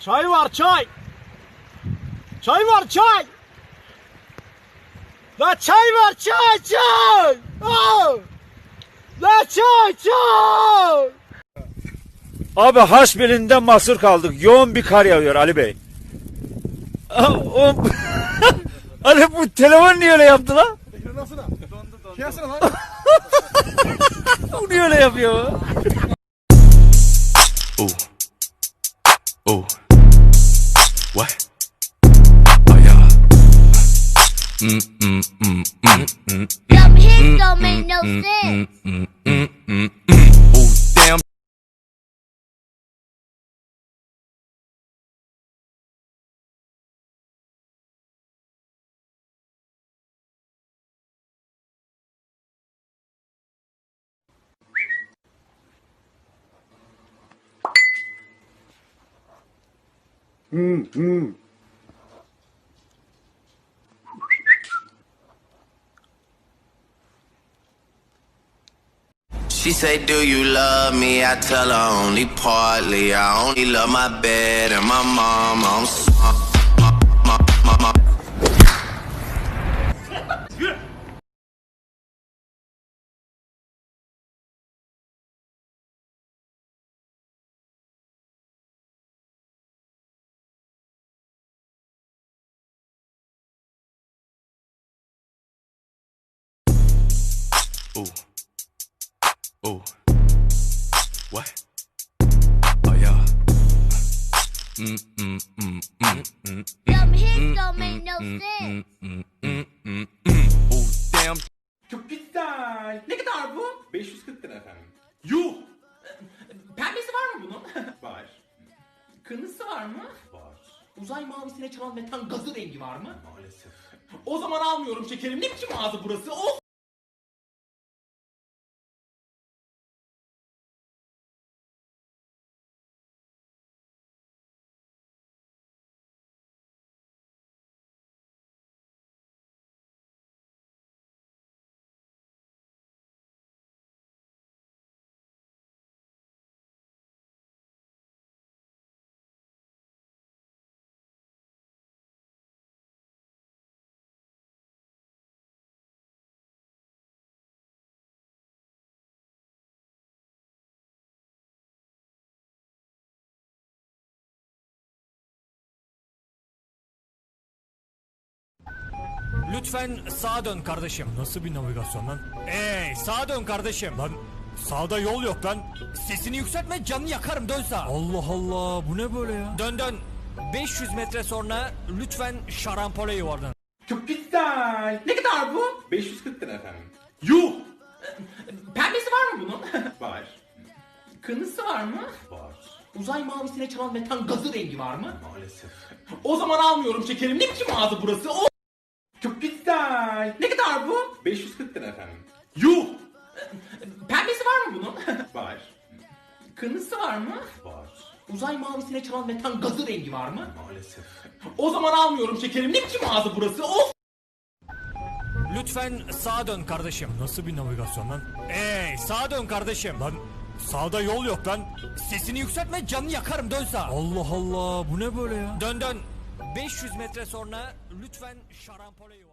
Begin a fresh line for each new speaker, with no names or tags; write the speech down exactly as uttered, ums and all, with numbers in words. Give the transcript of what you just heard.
Çay var çay. Çay var çay. La çay var çay çay. Aa! La çay çay.
Abi Hasbeli'nde mahsur kaldık. Yoğun bir kar yağıyor Ali Bey. O... Ali bu telefon niye öyle yaptı lan?
Nasıl lan? Dondu dondu. Kıyasana lan.
Bu niye öyle yapıyor?
Ooh. Ooh. What? Oh yeah. Mm mm mm mm mm.
Them hits don't make no sense.
Mm mm mm mm. Ooh, damn. She say, do you love me? I tell her only partly. I only love my bed and my mom. I'm so- my, my, my, my. Ooh. Ooh. What? Oh yeah. Mm mm mm mm mm.
Them hits don't make no sense.
Mm mm mm mm mm. Ooh, damn.
Çok güzel. Ne kadar bu? beş yüz kırk lira efendim. Yuh! Pembesi var mı bunun? Var. Kırmızısı var mı? Var. Uzay mavisine çalan metan gazı rengi var mı? Maalesef. O zaman almıyorum şekerim. Ne biçim ağzı burası? Of!
Lütfen sağa dön kardeşim. Nasıl bir navigasyon lan? Ey sağa dön kardeşim. Lan sağda yol yok lan. Sesini yükseltme, canını yakarım, dön sağa. Allah Allah, bu ne böyle ya? Dön dön. beş yüz metre sonra lütfen şarampole yuvarlan.
Çok güzel. Ne kadar bu? beş yüz kırk lira efendim. Yuh! Pembesi var mı bunun? Var. Kırmızısı var mı? Var. Uzay mavisine çalan metan gazı rengi var mı? Maalesef. O zaman almıyorum şekerim. Ne biçim ağzı burası? Of! Çok güzel. Ne kadar bu? beş yüz kırk lira efendim. Yuh! Pembesi var mı bunun? Var. Kırmızısı var mı? Var. Uzay mavisine çalan metan gazı rengi var mı? Maalesef. O zaman almıyorum şekerim. Ne biçim ağzı burası? Of!
Lütfen sağa dön kardeşim. Nasıl bir navigasyon lan? Ey sağa dön kardeşim. Lan sağda yol yok lan. Sesini yükseltme, canını yakarım, dön sağa. Allah Allah, bu ne böyle ya? Dön dön. beş yüz metre sonra lütfen şarampole yuvarlan.